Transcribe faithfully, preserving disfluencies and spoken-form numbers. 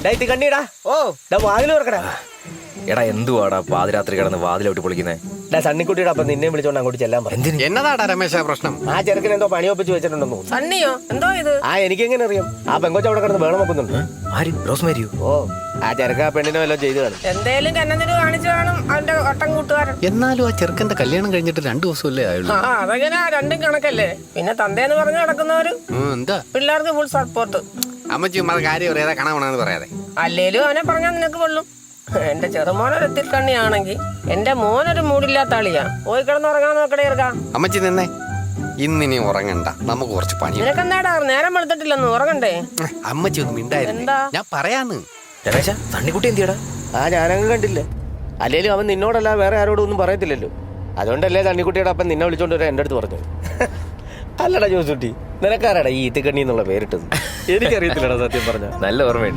കണ്ണീടാ ഓ വാതിൽ തുറക്കടാ. എടാ എന്തുവാടാ പാതിരാത്രി കിടന്ന് വാതിലോട്ട് പൊളിക്കുന്നേ? സണ്ണിക്കുട്ടിയുടെ അപ്പം നിന്നെ വിളിച്ചോണ്ട് അങ്ങോട്ട് ചെല്ലാൻ പറഞ്ഞു. എന്നതാടാ രമേശ പ്രശ്നം? ആ ചെറുക്കൻ എന്തോ പണി ഒപ്പിച്ച് വെച്ചിട്ടുണ്ടെന്ന്. സണ്ണിയോ എന്തോ ഇത്? ആ എനിക്കെങ്ങനെ അറിയാം? ആ പെങ്കൊച്ച അവിടെ കിടന്ന് വേണം വെക്കുന്നുണ്ട്. ആര്? റോസ്മേരിയോ? ഓ ആ ചെറുക്ക ആ പെണ്ണിനെ വല്ലതും ചെയ്തു കാണും. എന്തേലും കന്നതിന് കാണിച്ചു കാണും അവന്റെ ഒട്ടം കൂട്ടുകാരൻ. എന്നാലും ആ ചെറുക്കന്റെ കല്യാണം കഴിഞ്ഞിട്ട് രണ്ടു ദിവസമല്ലേ ആയുള്ളൂ. ആ അതങ്ങനെ രണ്ടും കണക്കല്ലേ. പിന്നെ തന്തേന്ന് പറഞ്ഞു നടക്കുന്നവര് എന്താ പിള്ളേർക്ക് ഫുൾ സപ്പോർട്ട്. അമ്മച്ചി ഉമ്മ കാര്യം പറയാതെ കാണാമെന്ന് പറയാതെ. അല്ലേലും അവനെ പറഞ്ഞാൽ നിനക്ക് കൊള്ളും. എന്റെ ചെറുമോനൊരു കണ്ണിയാണെങ്കിൽ എന്റെ മോനൊരു മൂടില്ലാത്ത ആളിയാ. പോയി കിടന്നുറങ്ങാൻ നോക്കടേ ഇറക്കാം. അമ്മച്ചി നിന്നെ ഇന്നിനി ഉറങ്ങണ്ട, നമുക്ക് കുറച്ച് പണി. നിനക്കെന്താടാ നേരം വെളുത്തിട്ടില്ലെന്ന് ഉറങ്ങണ്ടേ? അമ്മച്ചി ഒന്നും മിണ്ടായിരുന്നു, ഞാൻ പറയാന്ന്. രമേശ സണ്ണിക്കുട്ടി എന്തിയടാ? ആ ഞാനങ്ങ് കണ്ടില്ല. അല്ലേലും അവൻ നിന്നോടല്ല വേറെ ആരോടും ഒന്നും പറയത്തില്ലല്ലോ. അതുകൊണ്ടല്ലേ സണ്ണിക്കുട്ടിയുടെ അപ്പം നിന്നെ വിളിച്ചോണ്ട് വരാൻ എൻ്റെ അടുത്ത് പറഞ്ഞു. അല്ലടാ ജോസുട്ടി, നിനക്കാരാടാ ഈ ഈത്തിക്കണ്ണി എന്നുള്ള പേരിട്ടത്? എനിക്കറിയത്തില്ലടാ സത്യം പറഞ്ഞ. നല്ല ഓർമ്മയുണ്ട്.